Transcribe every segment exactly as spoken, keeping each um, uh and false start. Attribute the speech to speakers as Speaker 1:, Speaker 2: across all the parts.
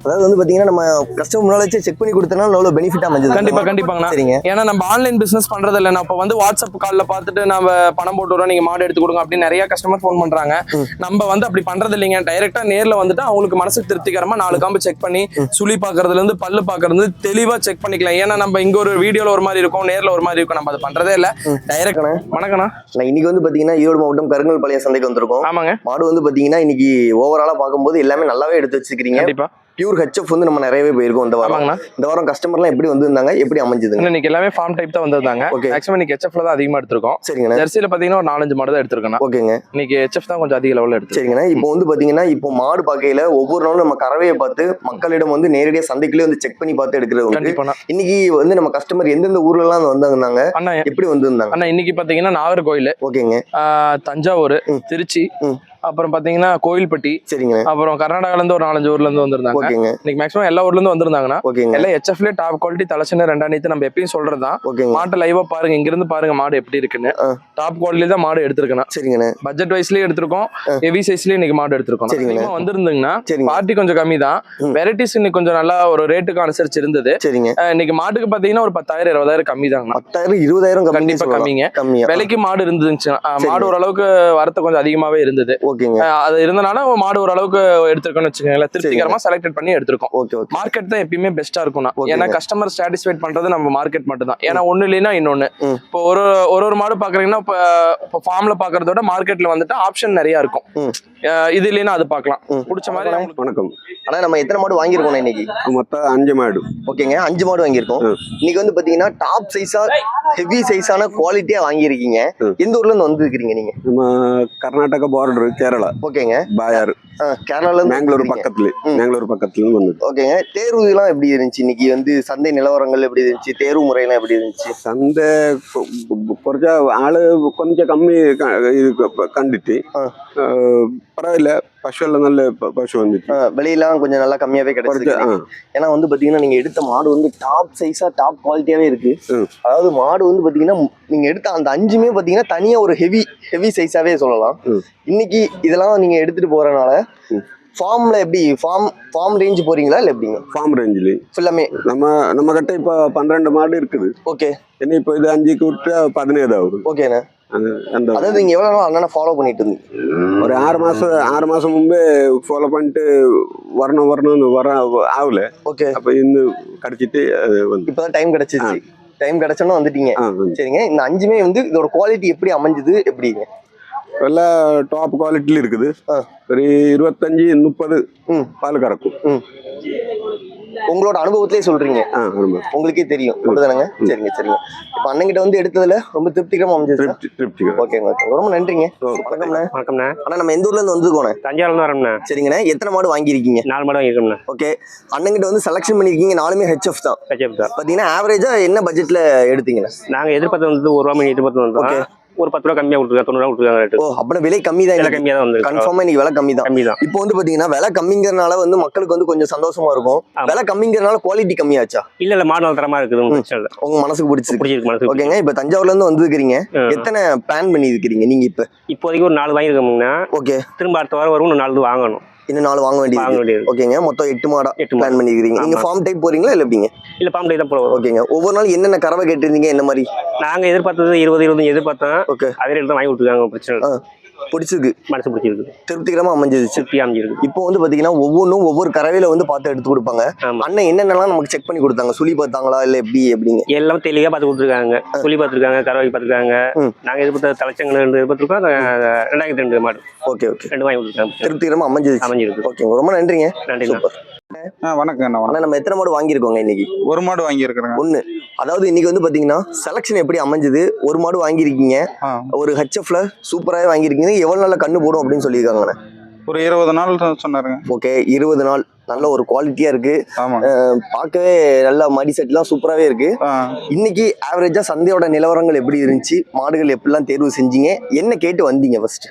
Speaker 1: அதாவது வந்து பாத்தீங்கன்னா நம்ம கஸ்டமர் முன்னால வச்சு செக் பண்ணி கொடுத்தனால எவ்வளவு பெனிஃபிட்டா அமைஞ்சது.
Speaker 2: கண்டிப்பா கண்டிப்பாங்கண்ணா.
Speaker 1: சரிங்க.
Speaker 2: ஏன்னா நம்ம ஆன்லைன் பிசினஸ் பண்றது இல்லை, நான் இப்போ வந்து வாட்ஸ்அப் காலில் பார்த்துட்டு நம்ம பணம் போட்டு வரோம், நீங்க மாடு எடுத்து கொடுங்க அப்படின்னு நிறைய கஸ்டமர் ஃபோன் பண்றாங்க. நம்ம வந்து அப்படி பண்றது இல்லைங்க. டைரக்டா நேர்ல வந்துட்டு அவங்களுக்கு மனசுக்கு திருப்திகரமா நாலு காம்பு செக் பண்ணி சுழி பாக்குறதுல இருந்து பல்லு பாக்குறது தெளிவா செக் பண்ணிக்கலாம். ஏன்னா நம்ம இங்க ஒரு வீடியோல ஒரு மாதிரி இருக்கும், நேர்ல ஒரு மாதிரி இருக்கும், நம்ம அதை பண்றதே இல்ல. டைரக்ட். வணக்கண்ணா.
Speaker 1: நான் இன்னைக்கு வந்து பாத்தீங்கன்னா ஈரோடு மாவட்டம் கருங்கல் பாளைய சந்தைக்கு வந்திருக்கோம்.
Speaker 2: ஆமாங்க.
Speaker 1: மாடு வந்து பாத்தீங்கன்னா இன்னைக்கு ஓவராலா பார்க்கும்போது எல்லாமே நல்லாவே எடுத்து வச்சிருக்கீங்க.
Speaker 2: கண்டிப்பா.
Speaker 1: பியூர் ஹெச்எஃப் வந்து நம்ம நிறையவே போயிருக்கோம் இந்த வாரம். இந்த வாரம் கஸ்டமர்லாம் எப்படி வந்திருந்தாங்க, எப்படி அமைஞ்சது?
Speaker 2: இன்னைக்கு எல்லாமே ஃபார்ம் டைப் தான் வந்திருந்தாங்க. மேக்ஸிமம் இன்னைக்கு ஹெச்எஃப்ல தான் அதிகமா எடுத்திருக்கோம்.
Speaker 1: சரிங்க.
Speaker 2: ஜெர்சில பாத்தீங்கன்னா ஒரு நாலஞ்சு மாடு தான் எடுத்திருக்கோம். ஓகேங்க. இன்னைக்கு ஹெச்எஃப் தான் கொஞ்சம் அதிக லெவல்ல எடுத்து.
Speaker 1: சரிங்க. இப்போ வந்து பாத்தீங்கன்னா இப்போ மாடு பார்க்கையில ஒவ்வொரு நாளும் நம்ம கறவையை பார்த்து மக்களிடம் வந்து நேரடியாக சந்தைக்குள்ளே வந்து செக் பண்ணி பார்த்து எடுக்கிறது. இன்னைக்கு வந்து நம்ம கஸ்டமர் எந்தெந்த ஊர்ல எல்லாம் வந்தாங்க, அண்ணா எப்படி வந்திருந்தாங்க?
Speaker 2: அண்ணா இன்னைக்கு பாத்தீங்கன்னா நாகர்கோயில்,
Speaker 1: ஓகேங்க,
Speaker 2: தஞ்சாவூர், திருச்சி, அப்புறம் பாத்தீங்கன்னா கோயில்பட்டி, சரிங்க, அப்புறம் கர்நாடகால இருந்து ஒரு நாலஞ்சு ஊர்ல இருந்து வந்திருந்தாங்க. ஓகேங்க. இன்னைக்கு மேக்ஸிமம் எல்லா ஊர்ல இருந்து வந்திருந்தாங்கன்னா எல்லாம் ஹெச்எஃப்ல டாப் குவாலிட்டி தலைச்சன ரெண்டாயிரத்து நம்ம எப்பயும் சொல்றதுதான். மாட்டை லைவா பாருங்க, இங்க இருந்து பாருங்க மாடு எப்படி இருக்குன்னு. டாப் குவாலிட்டி தான் மாடு எடுத்திருக்கணும். சரிங்க. பட்ஜெட் வைஸ்லயே எடுத்திருக்கோம், ஹெவி சைஸ்லயே இன்னைக்கு மாடு எடுத்திருக்கோம். சரிங்க. வந்திருந்தீங்கன்னா பார்ட்டி கொஞ்சம் கம்மி தான், வெரைட்டிஸ் இன்னைக்கு கொஞ்சம் நல்லா ஒரு ரேட்டுக்கு அனுசரிச்சு இருந்தது. சரிங்க. இன்னைக்கு மாட்டுக்கு பாத்தீங்கன்னா ஒரு பத்தாயிரம் இருபதாயிரம் கம்மி தாங்க. பத்தாயிரம் இருபதாயிரம் கண்டிப்பா கம்மிங்க. விலைக்கு மாடு இருந்துச்சு, மாடு ஓரளவுக்கு வரத்து கொஞ்சம் அதிகமாவே இருந்தது. அது இருந்தனால மாடு ஓரளவுக்கு எடுத்திருக்கோம்னு வச்சுக்கோங்களேன், திருப்திகரமா செலக்ட் பண்ணி எடுத்திருக்கோம். மார்க்கெட் தான் எப்பயுமே பெஸ்டா இருக்கும். ஏன்னா கஸ்டமர் சாட்டிஸ்ஃபைட் பண்றது நம்ம மார்க்கெட் மட்டும் தான். ஏன்னா ஒண்ணு இல்லைன்னா இன்னொன்னு. இப்போ ஒரு ஒரு ஒரு மாடு பாக்குறீங்கன்னா இப்போ ஃபார்ம்ல பாக்குறதோட மார்க்கெட்ல வந்துட்டு ஆப்ஷன் நிறைய இருக்கும். இது இல்லைன்னா அது பார்க்கலாம், பிடிச்ச மாதிரி.
Speaker 1: வணக்கம். ஆனா நம்ம எத்தனை மாடு வாங்கியிருக்கோம் இன்னைக்கு?
Speaker 3: மொத்தம் அஞ்சு மாடு.
Speaker 1: ஓகேங்க, அஞ்சு மாடு வாங்கியிருக்கோம். இன்னைக்கு வந்து பாத்தீங்கன்னா டாப் சைஸா ஹெவி சைஸான குவாலிட்டியா வாங்கியிருக்கீங்க. எந்த ஊர்ல இருந்து வந்துருக்கீங்க நீங்க?
Speaker 3: நம்ம கர்நாடகா பார்டர், கேரளா.
Speaker 1: ஓகேங்க.
Speaker 3: பாயார்,
Speaker 1: கேரளால இருந்து,
Speaker 3: பெங்களூர் பக்கத்துல, பெங்களூர் பக்கத்துல வந்து.
Speaker 1: ஓகேங்க. தேர்வு எல்லாம் எப்படி இருந்துச்சு இன்னைக்கு? வந்து சந்தை நிலவரங்கள் எப்படி இருந்துச்சு? தேர்வு முறையெல்லாம் எப்படி இருந்துச்சு?
Speaker 3: சந்தை குறைஞ்ச ஆளு கொஞ்சம் கம்மி கண்டுட்டு பரவாயில்ல. பசு எல்லாம் நல்ல பசு வந்துச்சு,
Speaker 1: விலையெல்லாம் கொஞ்சம் நல்லா கம்மியாவே கிடைச்சிருக்கு. ஏன்னா வந்து பாத்தீங்கன்னா நீங்க எடுத்த மாடு வந்து டாப் சைஸா டாப் குவாலிட்டியாவே இருக்கு. அதாவது மாடு வந்து பாத்தீங்கன்னா நீங்க எடுத்த அந்த அஞ்சுமே பாத்தீங்கன்னா தனியா ஒரு ஹெவி ஹெவி சைஸாவே சொல்லலாம். இன்னைக்கு இதெல்லாம் நீங்க எடுத்துட்டு போறதுனால ஃபார்ம்ல எப்படி ஃபார்ம் ஃபார்ம் ரேஞ்ச் போறீங்களா இல்ல எப்படிங்க?
Speaker 3: ஃபார்ம் ரேஞ்சில் ஃபுல்லாமே நம்ம நம்ம கிட்ட இப்போ பன்னிரெண்டு மாடு இருக்குது.
Speaker 1: ஓகே.
Speaker 3: என்ன இப்போ இது அஞ்சுக்கு விட்டு பதினேழு ஆகுது.
Speaker 1: ஓகேண்ணா. அதாவது நீங்க எவ்வளவு நாள் அண்ணனை ஃபாலோ பண்ணிட்டு இருந்தீங்க?
Speaker 3: ஒரு ஆறு மாசம் ஆறு மாசம் முன்பே ஃபாலோ பண்ணிட்டு வரணும் வரணும்னு வர ஆகல. ஓகே. அப்ப இன்னும் கிடைச்சிட்டு வந்து இப்பதான்
Speaker 1: டைம் கிடைச்சிச்சு. டைம் கிடைச்சோன்னா வந்துட்டீங்க. சரிங்க. இந்த அஞ்சுமே வந்து இதோட குவாலிட்டி எப்படி அமைஞ்சது எப்படிங்க?
Speaker 3: எல்லாம் டாப் குவாலிட்டில இருக்குது. ஒரு இருபத்தஞ்சு முப்பது பால் கறக்கும்.
Speaker 1: உங்களோட அனுபவத்திலே சொல்றீங்க, உங்களுக்கே தெரியும் அப்படிதானங்க? சரிங்க சரிங்க. இப்ப அண்ணங்கிட்ட வந்து எடுத்ததுல ரொம்ப திருப்திகரமா அமைஞ்சது. ஓகேங்க ஓகே, ரொம்ப நன்றிங்க. வணக்கம்ண்ணா.
Speaker 4: வணக்கம்ண்ணா.
Speaker 1: ஆனா நம்ம எந்த ஊர்ல இருந்து வந்துருக்கோண்ணே?
Speaker 4: தஞ்சாவூர்ல இருந்து வரோம்ண்ணா.
Speaker 1: சரிங்கண்ணா. எத்தனை மாடு வாங்கியிருக்கீங்க?
Speaker 4: நாலு மாடு வாங்கியிருக்கோம்ண்ணா.
Speaker 1: ஓகே. அண்ணங்கிட்ட வந்து செலக்ஷன் பண்ணிருக்கீங்க, நாலுமே ஹெச்எஃப் தான்.
Speaker 4: ஹெச்எஃப் தான்.
Speaker 1: பாத்தீங்கன்னா ஆவரேஜா என்ன பட்ஜெட்ல எடுத்தீங்கண்ணா?
Speaker 4: நாங்க எதிர்பார்த்து வந்து ஒரு ரூபா மணி எதிர்பார்த்து வந்தோம். ஒரு பத்து ரூபா கம்மியா கொடுத்துருக்கா, தொண்ணூறு ரூபா கொடுத்துருக்காங்க.
Speaker 1: ஓ, அப்ப விலை கம்மி தான்.
Speaker 4: கம்மியா தான் வந்து
Speaker 1: கன்ஃபார்மா இன்னைக்கு விலை கம்மி தான். கம்மி தான். இப்போ வந்து பாத்தீங்கன்னா விலை கம்மிங்கிறனால வந்து மக்களுக்கு வந்து கொஞ்சம் சந்தோஷமா இருக்கும். விலை கம்மிங்கிறனால குவாலிட்டி கம்மியாச்சா?
Speaker 4: இல்ல இல்ல, மாடு தரமா இருக்குது.
Speaker 1: உங்க மனசுக்கு பிடிச்சிருக்கு?
Speaker 4: பிடிச்சிருக்கு மனசுக்கு.
Speaker 1: ஓகேங்க. இப்ப தஞ்சாவூர்ல இருந்து வந்துருக்கீங்க, எத்தனை பிளான் பண்ணி இருக்கிறீங்க நீங்க? இப்ப
Speaker 4: இப்போதைக்கு ஒரு நாலு வாங்கிருக்கோம்னா. ஓகே. திரும்ப அடுத்த வாரம் வரும், இன்னும் நாலு வாங்கணும்.
Speaker 1: இன்னும் நாலு வாங்க வேண்டியது. ஓகேங்க. மொத்தம் எட்டு மாடா பிளான் பண்ணிக்கிறீங்க. நீங்க ஃபார்ம் டைப் போறீங்களா இல்ல எப்படிங்க?
Speaker 4: இல்ல, ஃபார்ம் டைப் தான் போறோம்.
Speaker 1: ஓகேங்க. ஒவ்வொரு நாள் என்னென்ன கறவை கேட்டிருந்தீங்க, என்ன மாதிரி?
Speaker 4: நாங்க எதிர்பார்த்தது இருபது இருபது எதிர்பார்த்தோம். ஓகே. அதே ரேட் தான் வாங்கி கொடுத்துருக்காங்க. பிரச்சனை
Speaker 1: பிடிச்சிருக்கு,
Speaker 4: மனசு பிடிச்சிருக்கு,
Speaker 1: திருப்திகரமா அமைஞ்சது. திருப்தி அமைஞ்சிருக்கு. இப்போ வந்து பாத்தீங்கன்னா ஒவ்வொன்றும் ஒவ்வொரு கறவையில வந்து பார்த்து எடுத்து கொடுப்பாங்க. அண்ணன் என்னென்னலாம் நமக்கு செக் பண்ணி கொடுத்தாங்க? சுழி பார்த்தாங்களா இல்ல எப்படி எப்படிங்க?
Speaker 4: எல்லாம் தெளிவா பார்த்து கொடுத்துருக்காங்க. சுழி பார்த்துருக்காங்க, கறவை பார்த்துருக்காங்க. நாங்க எதிர்பார்த்த தலைச்சங்கள் ரெண்டு எதிர்பார்த்துருக்கோம். ரெண்டாயிரத்தி ரெண்டு மாடு.
Speaker 1: Okay okay.
Speaker 4: ரெண்டு வாங்கி கொடுத்துருக்காங்க.
Speaker 1: திருப்திகரமா அமைஞ்சது. அமைஞ்சிருக்கு. ஓகே, ரொம்ப நன்றிங்க.
Speaker 4: நன்றி.
Speaker 1: சூப்பர்.
Speaker 3: வணக்கம்.
Speaker 1: ஆனா நம்ம எத்தனை மாடு வாங்கியிருக்கோங்க இன்னைக்கு?
Speaker 3: ஒரு மாடு வாங்கியிருக்கிறேன்.
Speaker 1: ஒண்ணு. அதாவது இன்னைக்கு வந்து பாத்தீங்கன்னா செலக்ஷன் எப்படி அமைஞ்சது? ஒரு மாடு வாங்கியிருக்கீங்க, ஒரு ஹெச்எஃப்ல சூப்பராக வாங்கியிருக்கீங்க. எவ்வளவு நாள்ல கண்ணு போடும் அப்படின்னு சொல்லியிருக்காங்கண்ணே?
Speaker 3: ஒரு இருபது நாள் சொன்னாருங்க.
Speaker 1: ஓகே, இருபது நாள். நல்ல ஒரு குவாலிட்டியா இருக்கு, பார்க்கவே நல்ல மடி செட் எல்லாம் சூப்பராகவே இருக்கு. இன்னைக்கு ஆவரேஜா சந்தையோட நிலவரங்கள் எப்படி இருந்துச்சு? மாடுகள் எப்படிலாம் தேர்வு செஞ்சீங்க? என்ன கேட்டு வந்தீங்க ஃபர்ஸ்ட்?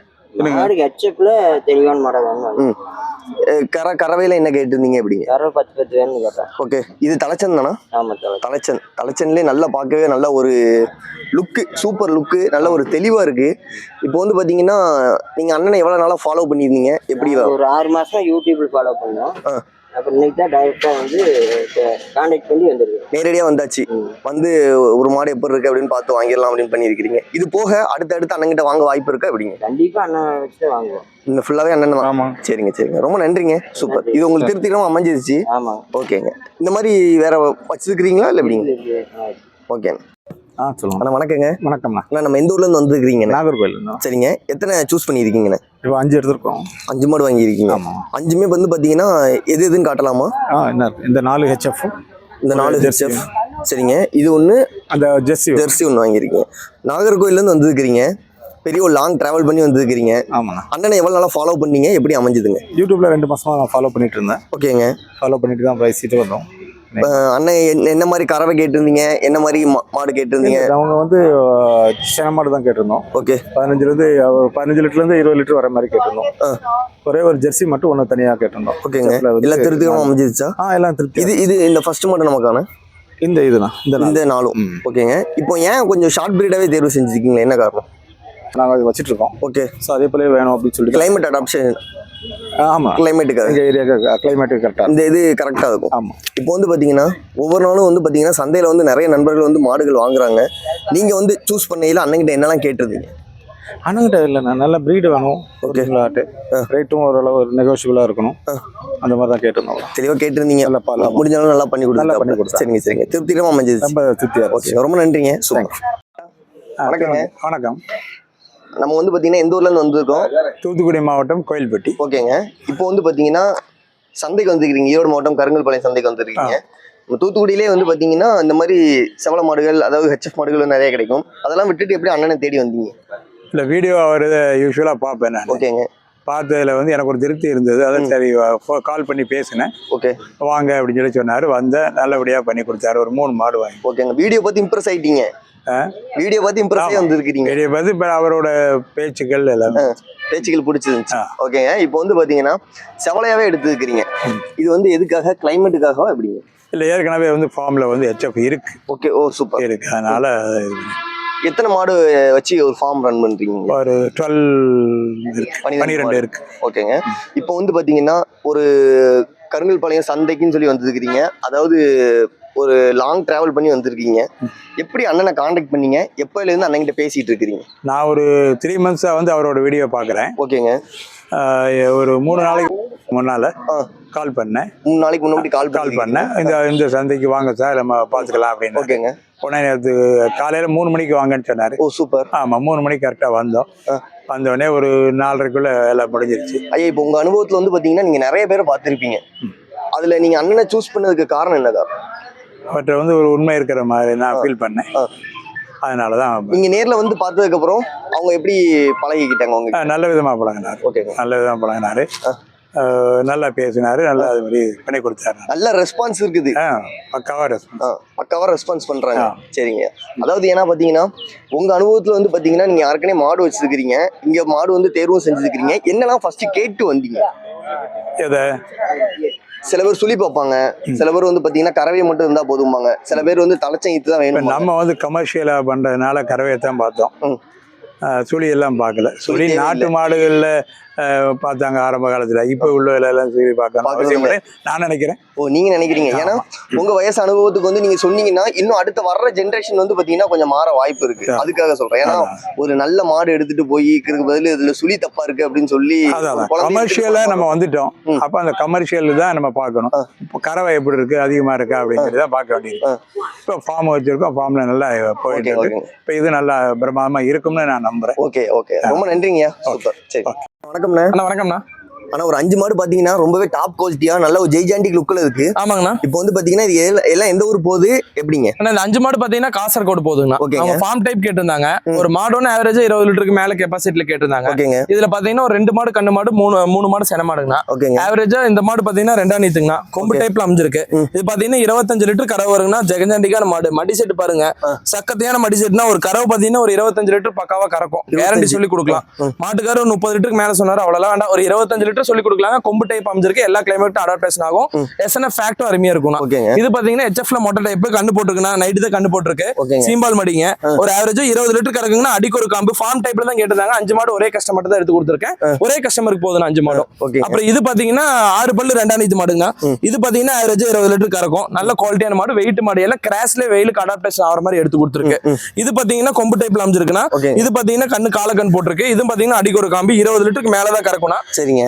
Speaker 5: தெளிவான மாடல் வாங்க.
Speaker 1: கர கறவையில என்ன கேட்டிருந்தீங்க எப்படிங்க?
Speaker 5: கறவை பத்து பத்து வேணும் கேட்டேன்.
Speaker 1: ஓகே. இது தலைச்சன் தானா?
Speaker 5: ஆமா,
Speaker 1: தலைச்சன். தலைச்சன்லேயே நல்லா பார்க்கவே நல்ல ஒரு லுக்கு, சூப்பர் லுக்கு, நல்ல ஒரு தெளிவா இருக்கு. இப்போ வந்து பாத்தீங்கன்னா நீங்க அண்ணனை எவ்வளவு நாளா ஃபாலோ பண்ணிருந்தீங்க? எப்படி?
Speaker 5: ஒரு ஆறு மாசம் யூடியூப்ல ஃபாலோ பண்ணோம். அப்புறம் இன்னைக்கு தான் டைரக்டா வந்து கான்டாக்ட் பண்ணி வந்துருக்கு.
Speaker 1: நேரடியா வந்தாச்சு, வந்து ஒரு மாடு எப்படி இருக்கு அப்படின்னு பார்த்து வாங்கிடலாம் அப்படின்னு பண்ணியிருக்கிறீங்க. இது போக அடுத்து அடுத்து அண்ணன்கிட்ட வாங்க வாய்ப்பு இருக்கா எப்படிங்க?
Speaker 5: கண்டிப்பா அண்ணன் வச்சுட்டு வாங்குவோம்.
Speaker 1: இந்த ஃபுல்லாவே அண்ணன் தான்.
Speaker 6: ஆமா.
Speaker 1: சரிங்க சரிங்க, ரொம்ப நன்றிங்க. சூப்பர். இது உங்களுக்கு திருப்திகரமா அமைஞ்சிருச்சு.
Speaker 5: ஆமா.
Speaker 1: ஓகேங்க. இந்த மாதிரி வேற வச்சிருக்கிறீங்களா இல்லை எப்படிங்க? ஓகேங்க.
Speaker 6: ஆ சொல்லுங்க.
Speaker 1: அண்ணா வணக்கங்க.
Speaker 6: வணக்கம்ண்ணா.
Speaker 1: அண்ணா நம்ம எந்த ஊர்ல இருந்து வந்துருக்கீங்க?
Speaker 6: நாகர்கோவில்.
Speaker 1: சரிங்க. எத்தனை சூஸ் பண்ணியிருக்கீங்கண்ணே?
Speaker 6: இப்போ அஞ்சு எடுத்துருக்கோம்.
Speaker 1: அஞ்சு மாடு வாங்கியிருக்கீங்க.
Speaker 6: ஆமா.
Speaker 1: அஞ்சுமே வந்து பார்த்தீங்கன்னா எது எதுன்னு காட்டலாமா?
Speaker 6: ஆ என்ன இருக்கு? இந்த நாலு ஹெச்எஃப்,
Speaker 1: இந்த நாலு
Speaker 6: ஜெர்சி.
Speaker 1: ஹெச்எஃப். சரிங்க. இது ஒன்று,
Speaker 6: அந்த ஜெர்சி
Speaker 1: ஜெர்சி ஒன்று வாங்கியிருக்கீங்க. நாகர்கோயிலேருந்து வந்துருக்கிறீங்க, பெரிய ஒரு லாங் டிராவல் பண்ணி வந்துருக்கிறீங்க.
Speaker 6: ஆமாண்ணா.
Speaker 1: அண்ணனை எவ்வளோ நாளாக ஃபாலோ பண்ணீங்க, எப்படி அமைஞ்சுதுங்க?
Speaker 6: யூடியூப்ல ரெண்டு மாசமா நான் ஃபாலோ பண்ணிட்டு இருந்தேன்.
Speaker 1: ஓகேங்க.
Speaker 6: ஃபாலோ பண்ணிட்டு தான் பேசிட்டு வந்தோம்.
Speaker 1: அஹ் அண்ணன் என்ன- என்ன மாதிரி கறவை கேட்டிருந்தீங்க, என்ன மாதிரி மா- மாடு கேட்டிருந்தீங்க?
Speaker 6: அவங்க வந்து சின்ன மாடு தான் கேட்டிருந்தோம்.
Speaker 1: ஓகே.
Speaker 6: பதினஞ்சுலேருந்து பதினஞ்சு லிட்டர்லேருந்து இருபது லிட்டர் வர மாதிரி கேட்டிருந்தோம்.
Speaker 1: ஆ.
Speaker 6: ஒரே ஒரு ஜெர்சி மட்டும் ஒன்று தனியாக கேட்டிருந்தோம்.
Speaker 1: ஓகேங்க.
Speaker 6: அதுல வந்து
Speaker 1: எல்லாம் திருப்திகரமாக அமைஞ்சிருச்சா?
Speaker 6: ஆ எல்லாம் திருப்தி.
Speaker 1: இது இது இந்த ஃபர்ஸ்ட் மாடு நமக்கான
Speaker 6: இந்த இதுதான் இந்த நாலு.
Speaker 1: இந்த நாளும்.
Speaker 6: ம்.
Speaker 1: ஓகேங்க. இப்போ ஏன் கொஞ்சம் ஷார்ட் பீரியடாகவே தேர்வு செஞ்சுருக்கீங்களா, என்ன காரணம்?
Speaker 6: நாங்கள் அது வச்சுட்டு இருக்கோம்.
Speaker 1: ஓகே.
Speaker 6: ஸோ அதே போல வேணும் அப்படின்னு சொல்லிட்டு.
Speaker 1: கிளைமேட் அடாப்ஷன்,
Speaker 6: ஆமாம்.
Speaker 1: கிளைமேட்டுக்காக
Speaker 6: எங்கள் ஏரியாவுக்கு கிளைமேட்டு கரெக்டாக.
Speaker 1: இந்த இது கரெக்டாக இருக்கும்.
Speaker 6: ஆமாம்.
Speaker 1: இப்போ வந்து பார்த்தீங்கன்னா ஒவ்வொரு நாளும் வந்து பார்த்தீங்கன்னா சந்தையில் வந்து நிறைய நண்பர்கள் வந்து மாடுகள் வாங்குறாங்க. நீங்கள் வந்து சூஸ் பண்ணையில் அண்ணன்கிட்ட என்னெல்லாம் கேட்டிருந்தீங்க?
Speaker 6: அண்ணங்கிட்ட இல்லைண்ணா, நல்ல ப்ரீடு வேணும். ஓகேங்களாட்டு ரேட்டும் ஓரளவு நெகோஷியபிளாக இருக்கணும். அந்த மாதிரி தான் கேட்டிருந்தோம்.
Speaker 1: தெளிவாக கேட்டிருந்தீங்க.
Speaker 6: நல்ல பால்.
Speaker 1: முடிஞ்சாலும் நல்லா பண்ணி
Speaker 6: நல்லா பண்ணி
Speaker 1: கொடுத்து.
Speaker 6: கொடுத்தா.
Speaker 1: சரிங்க சரிங்க, திருப்திகரமாக அமைஞ்சிருச்சு.
Speaker 6: ரொம்ப திருப்தியாக
Speaker 1: ஓகே, ரொம்ப நன்றிங்க. சூப்பர். வணக்கங்க.
Speaker 6: வணக்கம்.
Speaker 1: நம்ம வந்து பார்த்தீங்கன்னா எந்த ஊர்லேருந்து வந்திருக்கோம்?
Speaker 6: தூத்துக்குடி மாவட்டம் கோயில்பட்டி.
Speaker 1: ஓகேங்க. இப்போ வந்து பார்த்தீங்கன்னா சந்தைக்கு வந்துருக்கீங்க, ஈரோடு மாவட்டம் கருங்கல்பாளையம் சந்தைக்கு வந்துருக்கீங்க. நம்ம தூத்துக்குடியிலே வந்து பார்த்தீங்கன்னா இந்த மாதிரி செவல மாடுகள், அதாவது ஹெச்எஃப் மாடுகள் நிறைய கிடைக்கும். அதெல்லாம் விட்டுட்டு எப்படி அண்ணனை தேடி வந்தீங்க?
Speaker 6: இல்லை, வீடியோ அவர் யூஸ்வலாக பார்ப்பேன் நான்.
Speaker 1: ஓகேங்க.
Speaker 6: பார்த்ததுல வந்து எனக்கு ஒரு திருப்தி இருந்தது. அதான் சரி கால் பண்ணி பேசினேன்.
Speaker 1: ஓகே.
Speaker 6: வாங்க அப்படின்னு சொல்லி சொன்னார். வந்தேன், நல்லபடியாக பண்ணி கொடுத்தாரு. ஒரு மூணு மாடு வாங்கி.
Speaker 1: ஓகேங்க. வீடியோ பார்த்து இம்ப்ரெஸ் ஆயிட்டீங்க? வீடியோ பார்த்து இம்ப்ரெஸ் ஆகி வந்திருக்கீங்க.
Speaker 6: பெரிய பார்த்து இப்போ அவரோட பேச்சுக்கள் எல்லாமே
Speaker 1: பேச்சுக்கள் பிடிச்சிருந்துச்சு. ஓகேங்க. இப்போ வந்து பார்த்தீங்கன்னா செவலையாவே எடுத்துருக்கிறீங்க. இது வந்து எதுக்காக, கிளைமேட்டுக்காகவா எப்படிங்க?
Speaker 6: இல்லை, ஏற்கனவே வந்து ஃபார்மில் வந்து ஹெச்எஃப் இருக்கு.
Speaker 1: ஓகே. ஓ சூப்பர்.
Speaker 6: இருக்கு, அதனால
Speaker 1: எத்தனை மாடு வச்சு ஒரு ஃபார்ம் ரன் பண்றீங்க?
Speaker 6: ஒரு டுவெல் இருக்கு, பன்னிரெண்டு இருக்கு.
Speaker 1: ஓகேங்க. இப்போ வந்து பார்த்தீங்கன்னா ஒரு கருங்கல்பாளையம் சந்தைக்குன்னு சொல்லி வந்துருக்கிறீங்க, அதாவது ஒரு லாங் டிராவல் பண்ணி வந்திருக்கீங்க. எப்படி அண்ணனை காண்டாக்ட் பண்ணீங்க, எப்போலேருந்து அண்ணன்கிட்ட பேசிட்டு இருக்கிறீங்க?
Speaker 6: நான் ஒரு த்ரீ மந்த்ஸாக வந்து அவரோட வீடியோ பார்க்குறேன்.
Speaker 1: ஓகேங்க.
Speaker 6: ஒரு மூணு நாளைக்கு முன்னால் கால் பண்ணேன்.
Speaker 1: மூணு நாளைக்கு முன்னாடி கால்
Speaker 6: கால் பண்ணேன். இந்த இந்த சந்தைக்கு வாங்க சார், நம்ம பார்த்துக்கலாம் அப்படின்னு.
Speaker 1: ஓகேங்க.
Speaker 6: உடனே நேற்று காலையில் மூணு மணிக்கு வாங்கன்னு சொன்னார்.
Speaker 1: ஓ சூப்பர்.
Speaker 6: ஆமாம், மூணு மணிக்கு கரெக்டாக வந்தோம். வந்தோடனே ஒரு நாலரைக்குள்ளே எல்லாம் முடிஞ்சிருச்சு.
Speaker 1: ஐயா, இப்போ உங்கள் அனுபவத்தில் வந்து பார்த்தீங்கன்னா நீங்கள் நிறைய பேரை பார்த்துருப்பீங்க. அதில் நீங்கள் அண்ணனை சூஸ் பண்ணதுக்கு காரணம் என்ன காரணம்?
Speaker 6: அவர்கிட்ட வந்து ஒரு உண்மை இருக்கிற மாதிரி நான் ஃபீல் பண்ணேன். அதனால தான்
Speaker 1: நீங்க நேர்ல வந்து பார்த்ததுக்கு அப்புறம் அவங்க எப்படி பழகிக்கிட்டாங்க உங்க?
Speaker 6: நல்ல விதமாக பழகினார்.
Speaker 1: ஓகே.
Speaker 6: நல்ல விதமாக பழகினாரு. நல்லா பேசினாரு, நல்லா அது மாதிரி பண்ணி கொடுத்தாரு.
Speaker 1: நல்ல ரெஸ்பான்ஸ் இருக்குது.
Speaker 6: பக்காவா ரெஸ்பான்ஸ்.
Speaker 1: பக்காவா ரெஸ்பான்ஸ் பண்றாங்க. சரிங்க. அதாவது ஏன்னா பாத்தீங்கன்னா உங்க அனுபவத்துல வந்து பாத்தீங்கன்னா நீங்க யாருக்கனே மாடு வச்சிருக்கீங்க, இங்க மாடு வந்து தேர்வும் செஞ்சிருக்கீங்க. என்னெல்லாம் ஃபர்ஸ்ட் கேட்டு வந்தீங்க?
Speaker 6: எதை?
Speaker 1: சில பேர் சுழி பார்ப்பாங்க, சில பேர் வந்து பாத்தீங்கன்னா கறவை மட்டும் இருந்தா போதும்பாங்க, சில பேர் வந்து தலைச்சம் ஈத்து தான் வேணும்.
Speaker 6: நம்ம வந்து கமர்ஷியலா பண்றதுனால கறவையை தான் பார்த்தோம், சுழி எல்லாம் பார்க்கல. சுழி நாட்டு மாடுகள்ல பார்த்தாங்க ஆரம்ப காலத்துல. இப்ப உள்ள எல்லாம் சுழி பார்க்க நான் நினைக்கிறேன்.
Speaker 1: ஓ நீங்க நினைக்கிறீங்க? ஏன்னா உங்க வயசு அனுபவத்துக்கு வந்து நீங்க சொன்னீங்கன்னா இன்னும் அடுத்த வர்ற ஜென்ரேஷன் வந்து பாத்தீங்கன்னா கொஞ்சம் மாற வாய்ப்பு இருக்கு. அதுக்காக சொல்றேன். ஏன்னா ஒரு நல்ல மாடு எடுத்துட்டு போய் இருக்கிறதுக்கு பதில் இதுல சுழி தப்பா இருக்கு அப்படின்னு சொல்லி
Speaker 6: கமர்ஷியலா நம்ம வந்துட்டோம். அப்ப அந்த கமர்ஷியல் தான் நம்ம பார்க்கணும். இப்போ கறவை எப்படி இருக்கு, அதிகமா இருக்கா அப்படிங்கிறத பார்க்க வேண்டியது. இப்போ ஃபார்ம் வச்சிருக்கோம், ஃபார்ம்ல நல்லா போயிட்டு இருக்கு. இப்போ இது நல்லா பிரமாதமா இருக்கும்னு நான் நம்புறேன்.
Speaker 1: ஓகே ஓகே, ரொம்ப நன்றிங்க. சூப்பர். சரி, வணக்கம்ண்ணா.
Speaker 2: அண்ணா வணக்கம்ண்ணா.
Speaker 1: ஆனா ஒரு அஞ்சு மாடு பாத்தீங்கன்னா ரொம்பவே டாப் குவாலிட்டியா நல்ல ஒரு ஜெய்ஜாண்டிக் லுக்ல இருக்கு.
Speaker 2: ஆமாங்கண்ணா.
Speaker 1: இப்போ வந்து பாத்தீங்கன்னா இது எல்லாம் எல்லாம் எந்த ஊர் போகுது எப்படிங்க?
Speaker 2: அண்ணா இந்த அஞ்சு மாடு பாத்தீங்கன்னா காசர்கோடு போகுதுங்கண்ணா. அவங்க ஃபார்ம் டைப் கேட்டிருந்தாங்க. ஒரு மாடோன்னு ஆவரேஜா இருபது லிட்டருக்கு மேல கெப்பாசிட்டில கேட்டிருந்தாங்க.
Speaker 1: ஓகேங்க.
Speaker 2: இதுல பாத்தீங்கன்னா ஒரு ரெண்டு மாடு கண்ணு மாடு, மூணு மூணு மாடு சென மாடுங்கண்ணா.
Speaker 1: ஓகேங்க.
Speaker 2: ஆவரேஜா இந்த மாடு பாத்தீங்கன்னா ரெண்டா நீத்துங்கண்ணா. கொம்பு டைப்ல அமைஞ்சிருக்கு. இது பாத்தீங்கன்னா இருபத்தஞ்சு லிட்டர் கறவை வருங்கண்ணா. ஜெகஜாண்டிக்கான மாடு. மடி செட்டு பாருங்க, சக்கத்தையான மடி செட்டுனா ஒரு கறவை பாத்தீங்கன்னா ஒரு இருபத்தஞ்சு லிட்டர் பக்காவா கறக்கும். கேரண்டி சொல்லி கொடுக்கலாம். மாட்டுக்காரர் ஒரு முப்பது லிட்டருக்கு மேல சொன்னாரு, அவ்வளவு வேண்டாம். ஒரு இருபத்தஞ்சு லிட்டர் கிளைமேட்ல சொல்லி கொடுக்கலாங்க. கொம்பு டைப் அமைஞ்சிருக்கு, எல்லா கிளைமேட்டும் அடாப்டேஷன் ஆகும். எஸ்என்எஃப் ஃபேக்டும் அருமையா இருக்கும். இது பாத்தீங்கன்னா ஹெச்எஃப்ல மொட்டை டைப் கண்ணு போட்டுருக்குன்னா நைட்டு தான் கண்ணு போட்டுருக்கு. சீம்பால் மடிங்க ஒரு ஆவரேஜா இருபது லிட்டர் கறக்குங்கன்னா அடிக்கு ஒரு காம்பு ஃபார்ம் டைப்ல தான் கேட்டிருந்தாங்க. அஞ்சு மாடு ஒரே கஸ்டமர் தான் எடுத்து கொடுத்துருக்கேன். ஒரே கஸ்டமருக்கு போதும் அஞ்சு மாடும். அப்புறம் இது பாத்தீங்கன்னா ஆறு பல்லு ரெண்டாம் நீத்து மாடுங்க. இது பாத்தீங்கன்னா ஆவரேஜா இருபது லிட்டர் கறக்கும். நல்ல குவாலிட்டியான மாடு, வெயிட் மாடு, எல்லாம் கிராஸ்ல வெயிலுக்கு அடாப்டேஷன் ஆகிற மாதிரி எடுத்து கொடுத்துருக்கு. இது பாத்தீங்கன்னா கொம்பு டைப்ல அமைஞ்சிருக்குன்னா, இது பாத்தீங்கன்னா கண்ணு கால கண் போட்டிருக்கு. இது பாத்தீங்கன்னா அடிக்கு ஒரு காம்பு இருபது லிட்டருக்கு மேலதான் கறக்கும்னா சரிங்க.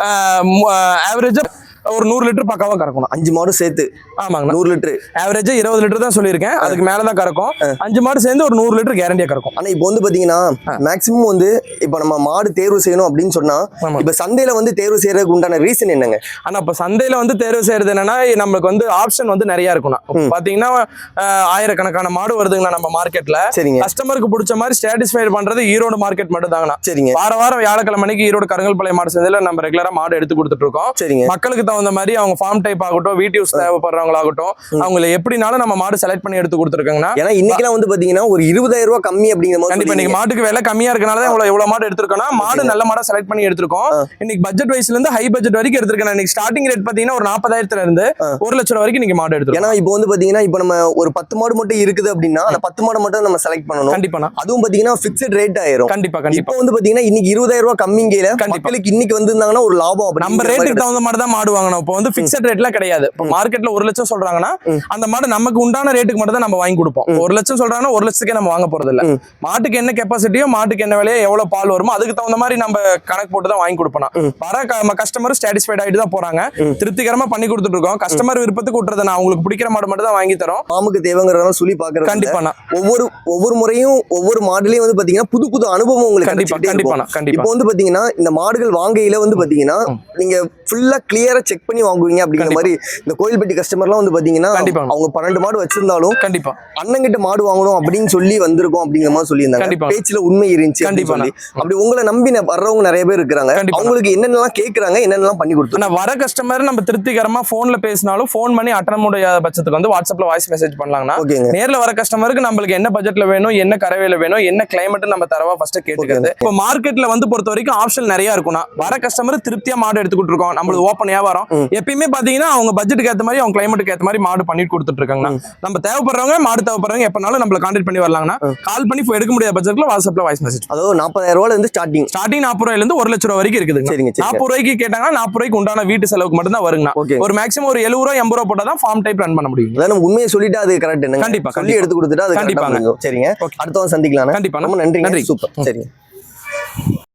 Speaker 2: ஆவரேஜா ஒரு நூறு லிட்டர் பக்காவா கறக்கணும்.
Speaker 1: அஞ்சு மாடு சேர்த்து.
Speaker 2: ஆமாங்க,
Speaker 1: நூறு லிட்டர்
Speaker 2: ஆவரேஜா இருபது லிட்டர் தான் சொல்லியிருக்கேன். அதுக்கு மேலதான் கறக்கும். அஞ்சு மாடு சேர்ந்து ஒரு நூறு லிட்டர் கேரண்டியா கறக்கும்.
Speaker 1: ஆனா இப்போ வந்து பாத்தீங்கன்னா மேக்ஸிமம் வந்து இப்ப நம்ம மாடு தேர்வு செய்யணும் அப்படின்னு சொன்னா இப்ப சந்தையில வந்து தேர்வு செய்யறதுக்கு உண்டான ரீசன் என்னங்க?
Speaker 2: ஆனா இப்ப சந்தையில வந்து தேர்வு செய்யறது என்னன்னா, நமக்கு வந்து ஆப்ஷன் வந்து நிறைய இருக்கும். பாத்தீங்கன்னா ஆயிரக்கணக்கான மாடு வருதுங்களா நம்ம மார்க்கெட்ல. சரிங்க. கஸ்டமருக்கு பிடிச்ச மாதிரி சாட்டிஸ்ஃபை பண்றது ஈரோடு மார்க்கெட் மட்டும் தாங்கண்ணா. சரிங்க. வார வாரம் வியாழக்கிழமைக்கு ஈரோடு கருங்கல்பாளையம் மாடு சந்தையில நம்ம ரெகுலரா மாடு எடுத்து கொடுத்துட்டு இருக்கோம். சரிங்க. மக்களுக்கு தகுந்த மாதிரி அவங்க ஃபார்ம் டைப் ஆகட்டும், வீட்டு யூஸ் தேவைப்படுறவங்களாகட்டும், அவங்களை எப்படினாலும் நம்ம மாடு செலக்ட் பண்ணி எடுத்து கொடுத்துருக்காங்கன்னா.
Speaker 1: ஏன்னா இன்னைக்கு வந்து பாத்தீங்கன்னா ஒரு இருபதாயிரம் ரூபாய் கம்மி அப்படிங்கிற மாதிரி.
Speaker 2: கண்டிப்பா இன்னைக்கு மாட்டுக்கு விலை கம்மியா இருக்கனால இவ்வளவு எவ்வளவு மாடு எடுத்திருக்கோம்னா, மாடு நல்ல மாடா செலக்ட் பண்ணி எடுத்திருக்கோம். இன்னைக்கு பட்ஜெட் வைஸ்ல இருந்து ஹை பட்ஜெட் வரைக்கும் எடுத்திருக்கேன். இன்னைக்கு ஸ்டார்டிங் ரேட் பாத்தீங்கன்னா ஒரு நாற்பதாயிரத்துல இருந்து ஒரு லட்சம் வரைக்கும் நீங்க மாடு எடுத்து.
Speaker 1: ஏன்னா இப்போ வந்து பாத்தீங்கன்னா இப்போ நம்ம ஒரு பத்து மாடு மட்டும் இருக்குது அப்படின்னா அந்த பத்து மாடு மட்டும் நம்ம செலக்ட் பண்ணணும்.
Speaker 2: கண்டிப்பா.
Speaker 1: அதுவும் பாத்தீங்கன்னா பிக்ஸ்ட் ரேட் ஆயிரும்.
Speaker 2: கண்டிப்பா கண்டிப்பா.
Speaker 1: இப்போ வந்து பாத்தீங்கன்னா இன்னைக்கு இருபதாயிரம் ரூபாய் கம்மிங்கல மக்களுக்கு இன்னைக்கு வந்திருந்தாங்கன்னா ஒரு லாபம்.
Speaker 2: நம்ம ரேட்டுக்கு தகுந்த மாதிரி தான் மாடு வாங்கணும். இப்போ வந்து பிக்ஸ்ட் ரேட்லாம் கிடையாது. இப்போ மார்க்கெட்ல ஒரு லட்சம் சொல்றாங்கன்னா அந்த மாடு நமக்கு உண்டான ரேட்டுக்கு மட்டும் தான் நம்ம வாங்கி கொடுப்போம். ஒரு லட்சம் சொல்றாங்கன்னா ஒரு லட்சத்துக்கே நம்ம வாங்க போறது இல்ல. மாட்டுக்கு என்ன கெப்பாசிட்டியோ, மாட்டுக்கு என்ன விலையோ, எவ்வளவு பால் வருமோ அதுக்கு தகுந்த மாதிரி நம்ம கணக்கு போட்டு தான் வாங்கி கொடுப்போம். வர கஸ்டமர் சாட்டிஸ்ஃபைட் ஆயிட்டு தான் போறாங்க. திருப்திகரமா பண்ணி கொடுத்துட்டு இருக்கோம். கஸ்டமர் விருப்பத்துக்கு விட்டுறது நான் உங்களுக்கு பிடிக்கிற மாடு மட்டும் தான் வாங்கி தரோம்.
Speaker 1: மாமுக்கு தேவைங்கிறத சொல்லி பாக்குறது.
Speaker 2: கண்டிப்பா.
Speaker 1: ஒவ்வொரு ஒவ்வொரு முறையும் ஒவ்வொரு மாடுலயும் வந்து பாத்தீங்கன்னா புது புது அனுபவம் உங்களுக்கு.
Speaker 2: கண்டிப்பா கண்டிப்பா கண்டிப்பா.
Speaker 1: இப்போ வந்து பாத்தீங்கன்னா இந்த மாடுகள் வாங்கையில வந்து பாத்தீங்கன்னா நீங்க ஃபுல்லா கிளியரா செக் பண்ணி வாங்குவீங்க அப்படிங்கிற மாதிரி. இந்த கோயில்பட்டி கஸ்டமர்லாம் வந்து பாத்தீங்கன்னா அவங்க பன்னெண்டு மாடு வச்சிருந்தாலும் கண்டிப்பா அண்ணங்கிட்ட மாடு வாங்கணும் அப்படின்னு சொல்லி வந்திருக்கோம் அப்படிங்கிற மாதிரி சொல்லியிருந்தாங்க. பேச்சுல உண்மை இருந்துச்சு. கண்டிப்பா. அப்படி உங்களை நம்பி வர்றவங்க நிறைய பேர் இருக்கிறாங்க. அவங்களுக்கு என்னென்னலாம் கேட்கறாங்க, என்னென்னலாம் பண்ணி கொடுத்து
Speaker 2: வர கஸ்டமர் நம்ம திருப்திகரமா போன்ல பேசினாலும் போன் பண்ணி அட்டன் முடியாத பட்சத்துக்கு வந்து வாட்ஸ்அப்ல வாய்ஸ் மெசேஜ் பண்ணலாம்னா நேர்ல வர கஸ்டமருக்கு நம்மளுக்கு என்ன பட்ஜெட்ல வேணும், என்ன கரவையில வேணும், என்ன கிளைமேட் நம்ம தரவா ஃபர்ஸ்ட் கேட்டுக்கிறது. இப்போ மார்க்கெட்ல வந்து பொறுத்த வரைக்கும் ஆப்ஷன் நிறைய இருக்கும்னா வர கஸ்டமர் திருப்தியா மாடு எடுத்துக்கிட்டு இருக்கோம். நம்மளுக்கு ஓப்பன் வியாபாரம் எப்பயுமே பாத்தீங்கன்னா அவங்க பட்ஜெட்டுக்கு ஏற்ற மாதிரி அவங்க கிளைமேட்டுக்கு ஏற்ற மாதிரி மாடு பண்ணி கொடுத்துட்டு இருக்காங்க. நம்ம தேவைப்படுறவங்க மாடு தேவைப்படுறவங்க எப்பனாலும் நம்மள கான்டாக்ட் பண்ணி வரலாங்கன்னா கால் பண்ணி எடுக்க முடியாத பட்ஜெட்ல வாட்ஸ்அப்ல வாய்ஸ் மெசேஜ்.
Speaker 1: அதாவது நாற்பதாயிரம் ரூபாயில இருந்து ஸ்டார்டிங் ஸ்டார்டிங்
Speaker 2: நாற்பது ரூபாயில இருந்து ஒரு லட்சம் ரூபாய் வரைக்கும் இருக்குது. நாற்பது ரூபாய்க்கு கேட்டாங்கன்னா நாற்பது ரூபாய்க்கு உண்டான வீட்டு செலவுக்கு மட்டும் தான் வருங்க. ஒரு மேக்ஸிமம் ஒரு எழுபது ரூபாய் எண்பது ரூபாய் போட்டா தான் ஃபார்ம் டைப் ரன் பண்ண முடியும்.
Speaker 1: அதான் உண்மையை சொல்லிட்டு அது கரெக்ட். கண்டிப்பா சொல்லி எடுத்து கொடுத்துட்டு அது கண்டிப்பா. சரிங்க, அடுத்தவங்க சந்திக்கலாம்.
Speaker 2: கண்டிப்பா.
Speaker 1: ரொம்ப நன்றி. நன்றி. சூப்பர். சரிங்க.